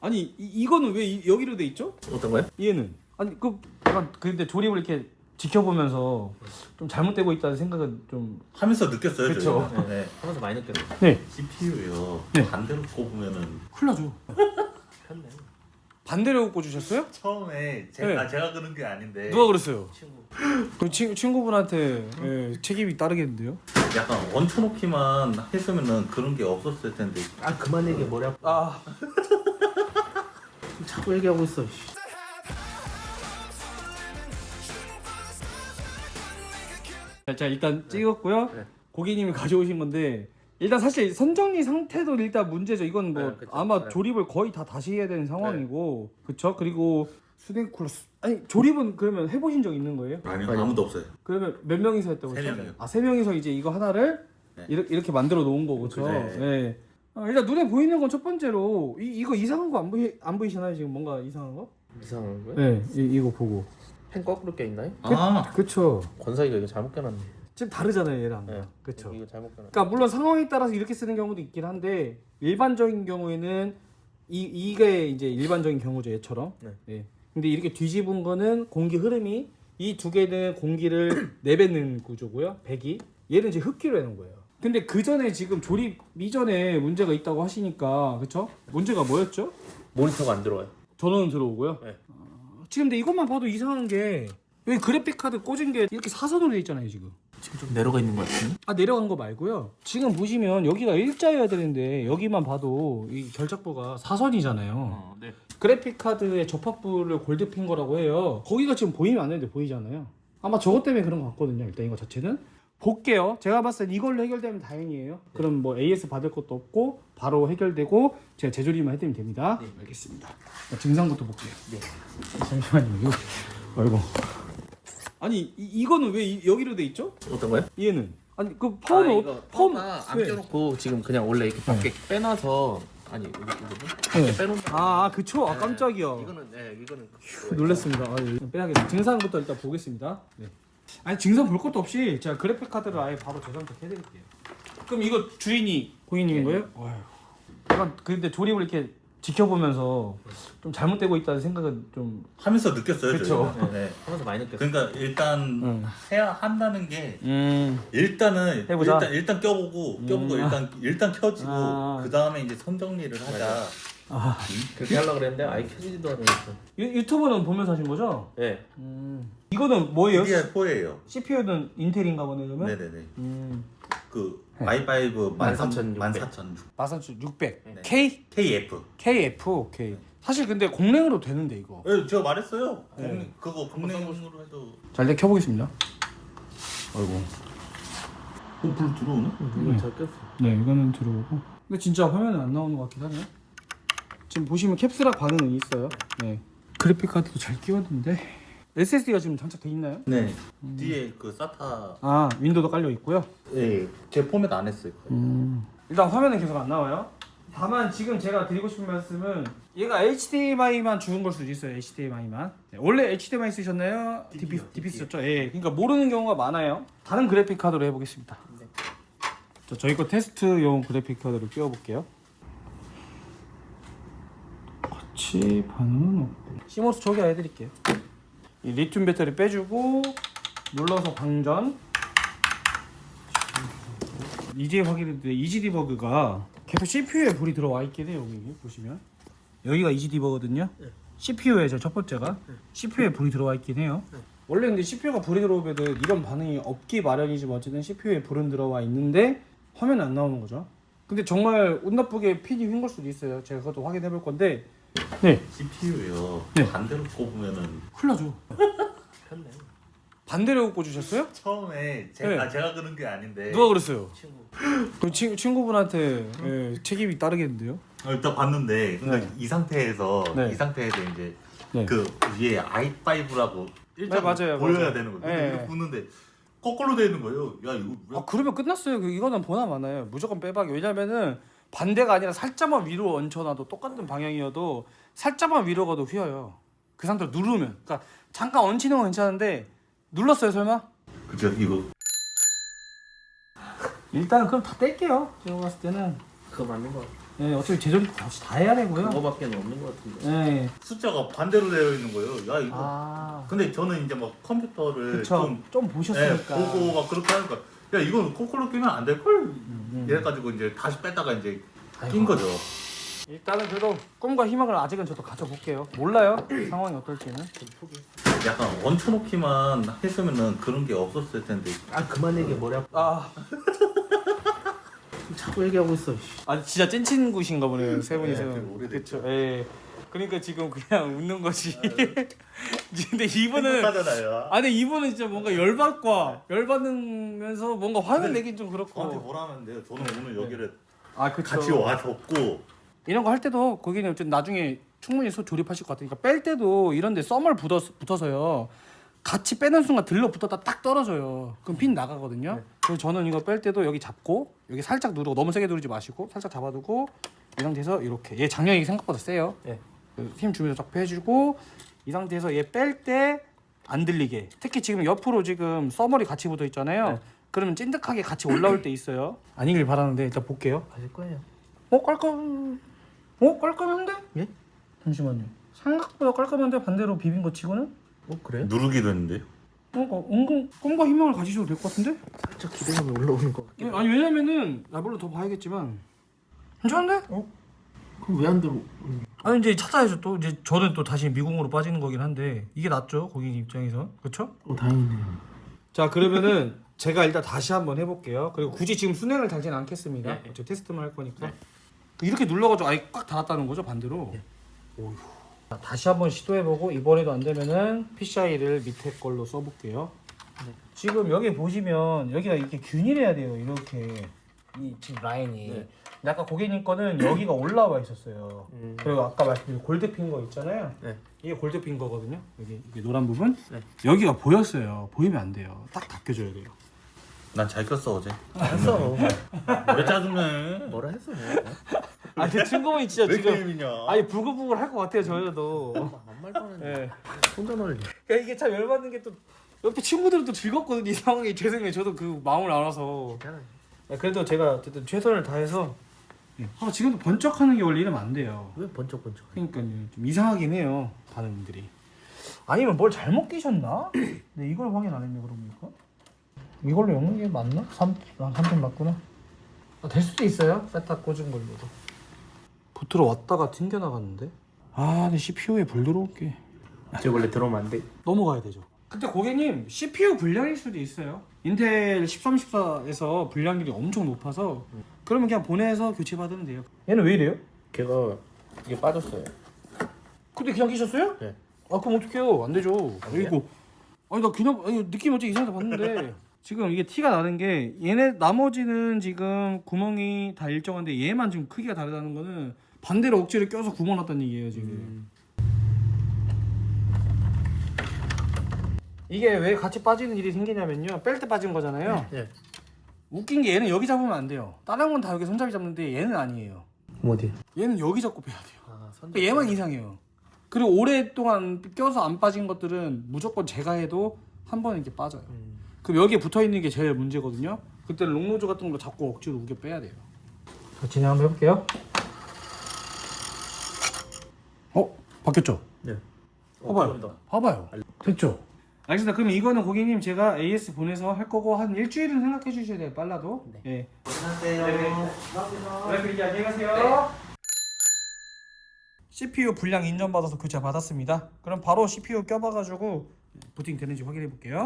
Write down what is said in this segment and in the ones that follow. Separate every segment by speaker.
Speaker 1: 아니 이거는 왜 여기로 돼 있죠?
Speaker 2: 어떤 거요?
Speaker 1: 얘는 아니 그 약간 근데 조립을 이렇게 지켜보면서 좀 잘못되고 있다는 생각은 좀
Speaker 3: 하면서 느꼈어요.
Speaker 1: 그쵸.
Speaker 3: 저희가. 네.
Speaker 2: 하면서 많이 느꼈어요.
Speaker 1: 네.
Speaker 3: CPU요.
Speaker 1: 네.
Speaker 3: 반대로 꼽으면은
Speaker 1: 큰일 나죠.
Speaker 2: 편네.
Speaker 1: 반대로 꽂으셨어요?
Speaker 3: 처음에
Speaker 1: 네.
Speaker 3: 제가 그런 게 아닌데
Speaker 1: 누가 그랬어요?
Speaker 2: 친구.
Speaker 1: 그럼 친구분한테 예, 책임이 따르겠는데요?
Speaker 3: 약간 얹혀놓기만 했으면은 그런 게 없었을 텐데.
Speaker 2: 아 그만 얘기해 머리 아파.
Speaker 1: 아
Speaker 2: 자꾸 얘기하고 있어.
Speaker 1: 자 일단 찍었고요.
Speaker 2: 네.
Speaker 1: 고객님이 가져오신 건데 일단 사실 선정리 상태도 일단 문제죠. 이건 뭐
Speaker 2: 네, 그쵸.
Speaker 1: 아마
Speaker 2: 네.
Speaker 1: 조립을 거의 다 다시 해야 되는 상황이고 그쵸? 그리고 수냉 쿨러 아니 조립은 그러면 해보신 적 있는 거예요?
Speaker 3: 아니요,
Speaker 2: 아니요.
Speaker 3: 아무도 없어요.
Speaker 1: 그러면 몇 명이서 했다고
Speaker 3: 세
Speaker 1: 했죠?
Speaker 3: 명이요.
Speaker 1: 아, 세 명이서 이제 이거 하나를
Speaker 3: 네.
Speaker 1: 이렇게 만들어 놓은 거고, 그렇죠?
Speaker 3: 네.
Speaker 1: 네. 일단 눈에 보이는 건 첫 번째로 이거 이상한 거 안 보이시나요? 지금 뭔가 이상한 거?
Speaker 2: 이상한 거요?
Speaker 1: 네, 이거 보고.
Speaker 2: 펜 거꾸로 껴 있나요?
Speaker 1: 그쵸.
Speaker 2: 권사이가 이거 잘못 껴놨네.
Speaker 1: 지금 다르잖아요, 얘랑.
Speaker 2: 네.
Speaker 1: 그쵸.
Speaker 2: 이거 잘못 껴놨.
Speaker 1: 그러니까 물론 상황에 따라서 이렇게 쓰는 경우도 있긴 한데 일반적인 경우에는 이게 이제 일반적인 경우죠, 얘처럼.
Speaker 2: 네.
Speaker 1: 네. 근데 이렇게 뒤집은 거는 공기 흐름이 이 두 개는 공기를 내뱉는 구조고요. 배기. 얘는 이제 흡기로 해놓은 거예요. 근데 그 전에 지금 조립 이전에 문제가 있다고 하시니까 그쵸? 문제가 뭐였죠?
Speaker 2: 모니터가 안 들어와요.
Speaker 1: 전원은 들어오고요.
Speaker 2: 네.
Speaker 1: 지금 근데 이것만 봐도 이상한 게 여기 그래픽 카드 꽂은 게 이렇게 사선으로 돼 있잖아요, 지금.
Speaker 2: 지금 좀 내려가 있는 것 같은데?
Speaker 1: 아 내려간 거 말고요. 지금 보시면 여기가 일자여야 되는데 여기만 봐도 이 결착부가 사선이잖아요.
Speaker 2: 네.
Speaker 1: 그래픽 카드의 접합부를 골드핀 거라고 해요. 거기가 지금 보이면 안 되는데 보이잖아요. 아마 저것 때문에 그런 것 같거든요. 일단 이거 자체는 볼게요. 제가 봤을 때 이걸로 해결되면 다행이에요. 그럼 뭐 AS 받을 것도 없고 바로 해결되고 제가 재조립만 해드리면 됩니다.
Speaker 2: 네.
Speaker 1: 알겠습니다. 증상부터 볼게요.
Speaker 2: 네.
Speaker 1: 잠시만요. 이거 아이고. 아니 이거는 왜 여기로 돼 있죠?
Speaker 2: 어떤 거요?
Speaker 1: 얘는 아니 그 파워는
Speaker 2: 파워는 안
Speaker 1: 왜?
Speaker 2: 껴놓고 지금 그냥 원래 이렇게 밖에 빼놔서 아니 여기 부분
Speaker 1: 네.
Speaker 2: 밖에 빼놓은.
Speaker 1: 그쵸. 아 깜짝이야.
Speaker 2: 이거는 네 이거는
Speaker 1: 놀랐습니다. 빼야겠네. 증상부터 일단 보겠습니다. 네. 아니 증상 볼 것도 없이 제가 그래픽 카드를 아예 바로 재선택 해드릴게요. 그럼 이거 주인이 고객님인 거예요? 어휴. 약간 근데 조립을 이렇게 지켜보면서 좀 잘못되고 있다는 생각은 좀.
Speaker 3: 하면서 느꼈어요.
Speaker 1: 그쵸.
Speaker 3: 저희가. 네.
Speaker 2: 하면서 많이 느꼈어요.
Speaker 3: 그러니까 일단 해야 한다는 게 일단은
Speaker 1: 해보자.
Speaker 3: 일단 껴보고 일단 켜지고
Speaker 1: 아.
Speaker 3: 그 다음에 이제 선정리를 하자.
Speaker 2: 그렇게 하려고 그랬는데 아예 켜지지도 않으니까.
Speaker 1: 유튜브는 보면서 하신 거죠?
Speaker 2: 네.
Speaker 1: 이거는 뭐예요?
Speaker 3: DDR4예요.
Speaker 1: CPU는 인텔인가 보네 그러면?
Speaker 3: 네네네. 그
Speaker 1: 네.
Speaker 3: i5
Speaker 2: 14,600.
Speaker 1: 14600
Speaker 3: 네.
Speaker 1: K?
Speaker 3: KF.
Speaker 1: KF 오케이. 사실 근데 공랭으로 되는데 이거.
Speaker 3: 네, 제가 말했어요.
Speaker 1: 네.
Speaker 3: 그거 국내용으로 해도.
Speaker 1: 자 일단 켜보겠습니다. 아이고.
Speaker 3: 불 들어오네?
Speaker 2: 이거 잘 꼈어.
Speaker 1: 네 이거는 들어오고. 근데 진짜 화면은 안 나오는 것 같긴 하네요. 지금 보시면 캡스락 반응은 있어요. 네. 그래픽 카드도 잘 끼웠는데 SSD가 지금 장착돼 있나요?
Speaker 3: 네. 뒤에 그 SATA.
Speaker 1: 아 윈도우도 깔려 있고요.
Speaker 3: 네. 제 포맷 안 했어요.
Speaker 1: 일단 화면은 계속 안 나와요. 다만 지금 제가 드리고 싶은 말씀은 얘가 HDMI만 죽은 걸 수도 있어요. HDMI만. 네, 원래 HDMI 쓰셨나요? DP 쓰셨죠? 예. 그러니까 모르는 경우가 많아요. 다른 그래픽 카드로 해보겠습니다.
Speaker 2: 네.
Speaker 1: 자, 저희 거 테스트용 그래픽 카드를 끼워볼게요. 같이 반응은 없고. 시모스 초기화해드릴게요. 이 리튬 배터리 빼주고 눌러서 방전. 이제 확인했는데 이지 디버그가 계속 CPU에 불이 들어와 있긴 해요. 여기 보시면 여기가 이지 디버거든요.
Speaker 2: 네.
Speaker 1: CPU에 첫 번째가 CPU에 불이 들어와 있긴 해요. 원래 근데 CPU가 불이 들어오면 이런 반응이 없기 마련이지만 어쨌든 CPU에 불은 들어와 있는데 화면이 안 나오는 거죠. 근데 정말 운 나쁘게 핀이 휜 걸 수도 있어요. 제가 그것도 확인해 볼 건데. 네.
Speaker 3: CPU요.
Speaker 1: 네.
Speaker 3: 반대로 꼽으면은
Speaker 1: 큰일 나죠.
Speaker 2: 편네.
Speaker 1: 반대로 꽂으셨어요?
Speaker 3: 처음에
Speaker 1: 네.
Speaker 3: 제가 그런 게 아닌데.
Speaker 1: 누가 그랬어요?
Speaker 2: 친구.
Speaker 1: 그럼 친구분한테 예, 책임이 따르겠는데요?
Speaker 3: 일단 봤는데 그러니까
Speaker 1: 네.
Speaker 3: 이 상태에서
Speaker 1: 네.
Speaker 3: 이 상태에서 이제
Speaker 1: 네.
Speaker 3: 그 위에 i5라고 일단
Speaker 1: 맞아요,
Speaker 3: 보여야
Speaker 1: 맞아요.
Speaker 3: 되는 거예요. 근데
Speaker 1: 네.
Speaker 3: 이거 보는데 거꾸로 되어 있는 거예요. 야 이거 왜?
Speaker 1: 아 그러면 끝났어요. 이거는 보나 마나요. 무조건 빼박이. 왜냐면은 반대가 아니라 살짝만 위로 얹혀놔도 똑같은 방향이어도 살짝만 위로 가도 휘어요. 그 상태로 누르면. 그러니까 잠깐 얹히는 건 괜찮은데 눌렀어요 설마?
Speaker 3: 그죠 이거
Speaker 1: 일단 그럼 다 뗄게요. 제가 봤을 때는.
Speaker 2: 그거 맞는 거 같아.
Speaker 1: 네, 어차피 제조리 다 해야 되고요.
Speaker 2: 그거밖에 없는 것 같은데.
Speaker 1: 네.
Speaker 3: 숫자가 반대로 되어 있는 거예요. 야 이거.
Speaker 1: 아,
Speaker 3: 근데 저는 이제 막 컴퓨터를
Speaker 1: 그쵸. 좀 보셨으니까.
Speaker 3: 보고 막 그렇게 하니까 야 이건 코콜로 끼면 안 될 걸. 이래가지고 이제 다시 뺐다가 이제 낀 거죠.
Speaker 1: 일단은 그래도 꿈과 희망을 아직은 저도 가져볼게요. 몰라요. 상황이 어떨지는.
Speaker 3: 약간 얹혀놓기만 했으면은 그런 게 없었을 텐데.
Speaker 2: 아 그만 얘기해 머리 아파.
Speaker 1: 아,
Speaker 2: 자꾸 얘기하고 있어.
Speaker 1: 아니 진짜 찐 친구신가 보네요. 세 분이서.
Speaker 3: 되게 오래됐죠.
Speaker 1: 그쵸. 예. 그러니까 지금 그냥 웃는 거지. 근데 이분은
Speaker 3: 행복하잖아요.
Speaker 1: 아니 이분은 진짜 뭔가 열받으면서 뭔가 화를 내긴 좀
Speaker 3: 저한테
Speaker 1: 그렇고.
Speaker 3: 뭐라 하면 돼요. 저는 오늘 여기를
Speaker 1: 아 그쵸.
Speaker 3: 같이 와줬고.
Speaker 1: 이런 거 할 때도 거기는 어쨌든 나중에 충분히 조립하실 것 같으니까 뺄 때도 이런데 썸을 붙어서요. 같이 빼는 순간 들러붙었다 딱 떨어져요. 그럼 핀 나가거든요. 그래서 저는 이거 뺄 때도 여기 잡고 여기 살짝 누르고 너무 세게 누르지 마시고 살짝 잡아두고 이 상태에서 이렇게 얘 장력이 생각보다 세요.
Speaker 2: 예.
Speaker 1: 힘 주면서 쫙 빼주고 이 상태에서 얘 뺄 때 안 들리게. 특히 지금 옆으로 지금 써머리 같이 붙어 있잖아요. 그러면 찐득하게 같이 올라올 때 있어요. 아니길 바라는데 일단 볼게요.
Speaker 2: 가실 거예요.
Speaker 1: 깔끔한데?
Speaker 2: 예?
Speaker 1: 잠시만요. 생각보다 깔끔한데 반대로 비빈 거 치고는?
Speaker 2: 그래요?
Speaker 3: 누르기도 했는데요.
Speaker 1: 은근 꿈과 희망을 가지셔도 될 것 같은데?
Speaker 2: 살짝 기대감이 올라오는 것 같긴.
Speaker 1: 아니 왜냐면은 나 물론 더 봐야겠지만 괜찮은데?
Speaker 2: 그럼 왜 안 들어?
Speaker 1: 아니 이제 찾아야죠 또 이제 저는 또 다시 미궁으로 빠지는 거긴 한데 이게 낫죠 고객님 입장에서 그렇죠?
Speaker 2: 다행이네요.
Speaker 1: 자 그러면은 제가 일단 다시 한번 해볼게요. 그리고 굳이 지금 순행을 달지는 않겠습니다. 어차피 테스트만 할 거니까 이렇게 눌러가지고 아예 꽉 닫았다는 거죠 반대로. 오휴. 자, 다시 한번 시도해보고 이번에도 안 되면은 PCI를 밑에 걸로 써볼게요. 지금 여기 보시면 여기가 이렇게 균일해야 돼요. 이렇게 이 지금 라인이. 근데 아까 고객님 거는 여기가 올라와 있었어요. 그리고 아까 말씀드린 골드핀 거 있잖아요.
Speaker 2: 네.
Speaker 1: 이게 골드핀 거거든요. 여기 이게 노란 부분. 여기가 보였어요. 보이면 안 돼요. 딱 닦여줘야 돼요.
Speaker 3: 난 잘 꼈어 어제.
Speaker 2: 했어.
Speaker 3: 왜 짜증내?
Speaker 2: 뭐라 했어 뭐.
Speaker 1: 아, 제 친구분이 진짜
Speaker 3: 왜
Speaker 1: 지금
Speaker 3: 게임이냐?
Speaker 1: 아니 부글부글 할 것 같아요. 저희도.
Speaker 2: 아무 말도 안 했는데.
Speaker 1: 예.
Speaker 2: 혼자 놀리.
Speaker 1: 그러니까 이게 참 열받는 게 또 옆에 친구들은 또 즐겁거든요. 이 상황이 죄송해요. 저도 그 마음을 알아서. 그래도 제가 어쨌든 최선을 다해서. 지금도 번쩍하는 게 원래 이러면 안 돼요.
Speaker 2: 왜 번쩍번쩍?
Speaker 1: 그러니까요. 좀 이상하긴 해요. 반응들이. 아니면 뭘 잘못 끼셨나? 네, 이걸 확인 안 했네 그러니까. 이걸로 엮는 게 맞나? 3점 맞구나. 될 수도 있어요. 세타 꽂은 걸로도. 붙으러 왔다가 튕겨 나갔는데. 근데 CPU에 불 들어올게.
Speaker 2: 저 원래 들어오면 안 돼.
Speaker 1: 넘어가야 되죠. 근데 고객님 CPU 불량일 수도 있어요. 인텔 13, 14에서 불량률이 엄청 높아서 그러면 그냥 보내서 교체 받으면 돼요. 얘는 왜 이래요?
Speaker 2: 걔가 이게 빠졌어요.
Speaker 1: 근데 그냥 끼셨어요?
Speaker 2: 네.
Speaker 1: 그럼 어떡해요? 안 되죠. 이거 나 그냥 느낌 어째 이상하다 봤는데 지금 이게 티가 나는 게 얘네 나머지는 지금 구멍이 다 일정한데 얘만 지금 크기가 다르다는 거는 반대로 억지로 껴서 구멍 났다는 얘기예요 지금. 이게 왜 같이 빠지는 일이 생기냐면요. 뺄 때 빠진 거잖아요.
Speaker 2: 네.
Speaker 1: 웃긴 게 얘는 여기 잡으면 안 돼요. 다른 건 다 여기 손잡이 잡는데 얘는 아니에요.
Speaker 2: 어디?
Speaker 1: 얘는 여기 잡고 빼야 돼요.
Speaker 2: 선.
Speaker 1: 그러니까 얘만 이상해요. 그리고 오랫동안 껴서 안 빠진 것들은 무조건 제가 해도 한 번은 이렇게 빠져요. 그럼 여기에 붙어 있는 게 제일 문제거든요. 그때는 롱노즈 같은 거 잡고 억지로 우겨 빼야 돼요. 자, 진행 한번 해볼게요. 바뀌었죠?
Speaker 2: 네.
Speaker 1: 봐봐요. 됐죠? 알겠습니다. 그럼 이거는 고객님 제가 AS 보내서 할 거고 한 일주일은 생각해 주셔야 돼요. 빨라도. 네.
Speaker 3: 안녕하세요.
Speaker 1: 안녕히 가세요. CPU 불량 인정받아서 교체 받았습니다. 그럼 바로 CPU 껴봐가지고 부팅 되는지 확인해 볼게요.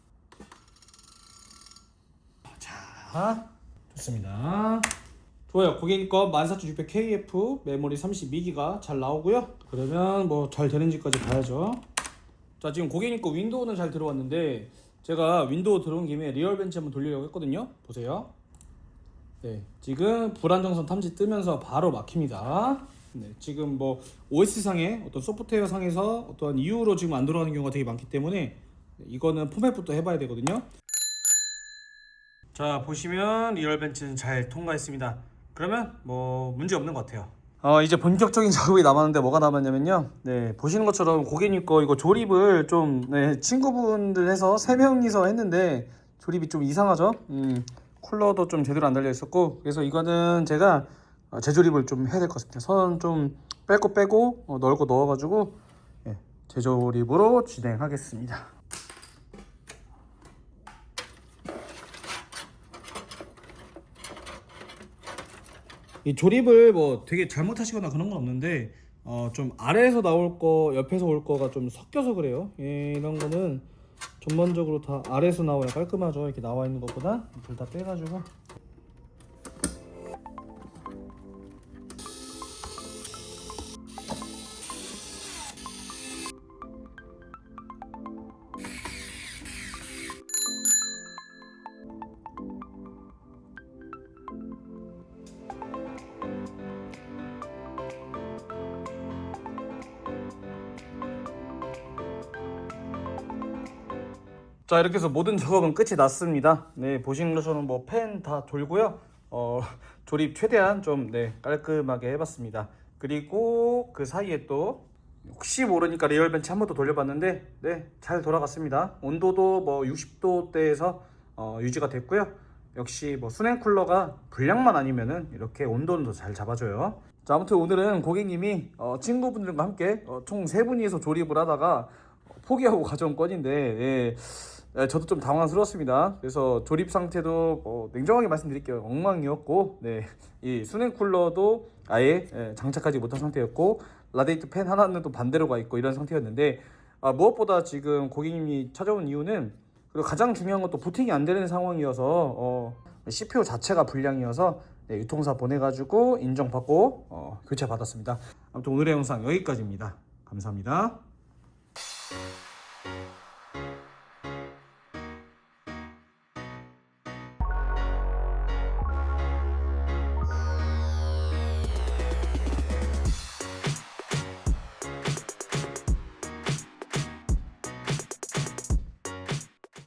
Speaker 1: 자, 좋습니다. 좋아요. 고객님 거 14600KF 메모리 32기가 잘 나오고요. 그러면 뭐 잘 되는지까지 봐야죠. 자, 지금 고객님 거 윈도우는 잘 들어왔는데 제가 윈도우 들어온 김에 리얼벤치 한번 돌리려고 했거든요. 보세요. 네, 지금 불안정성 탐지 뜨면서 바로 막힙니다. 네, 지금 뭐 OS 상에 어떤 소프트웨어 상에서 어떤 이유로 지금 안 들어가는 경우가 되게 많기 때문에 이거는 포맷부터 해봐야 되거든요. 자, 보시면 리얼벤치는 잘 통과했습니다. 그러면 뭐 문제 없는 것 같아요. 이제 본격적인 작업이 남았는데 뭐가 남았냐면요. 네, 보시는 것처럼 고객님 거 이거 조립을 좀 친구분들 해서 3명이서 했는데 조립이 좀 이상하죠. 쿨러도 좀 제대로 안 달려 있었고 그래서 이거는 제가 재조립을 좀 해야 될 것 같습니다. 선 좀 뺄 거 빼고 넣을 거 넣어가지고 재조립으로 진행하겠습니다. 이 조립을 뭐 되게 잘못하시거나 그런 건 없는데 좀 아래에서 나올 거 옆에서 올 거가 좀 섞여서 그래요. 이런 거는 전반적으로 다 아래에서 나와야 깔끔하죠. 이렇게 나와 있는 것보다 둘 다 빼가지고. 자, 이렇게 해서 모든 작업은 끝이 났습니다. 네, 보시는 것처럼 뭐 팬 다 돌고요. 조립 최대한 좀 깔끔하게 해봤습니다. 그리고 그 사이에 또 혹시 모르니까 리얼벤치 한 번 더 돌려봤는데 잘 돌아갔습니다. 온도도 뭐 60도대에서 유지가 됐고요. 역시 뭐 수냉 쿨러가 불량만 아니면은 이렇게 온도는 더 잘 잡아줘요. 자, 아무튼 오늘은 고객님이 친구분들과 함께 총 3분이서 조립을 하다가 포기하고 가져온 건인데 저도 좀 당황스러웠습니다. 그래서 조립 상태도 냉정하게 말씀드릴게요. 엉망이었고 이 수냉 쿨러도 아예 장착하지 못한 상태였고 라디에이터 팬 하나는 또 반대로 가 있고 이런 상태였는데 무엇보다 지금 고객님이 찾아온 이유는 그리고 가장 중요한 것도 부팅이 안 되는 상황이어서 CPU 자체가 불량이어서 유통사 보내가지고 인정받고 교체 받았습니다. 아무튼 오늘의 영상 여기까지입니다. 감사합니다.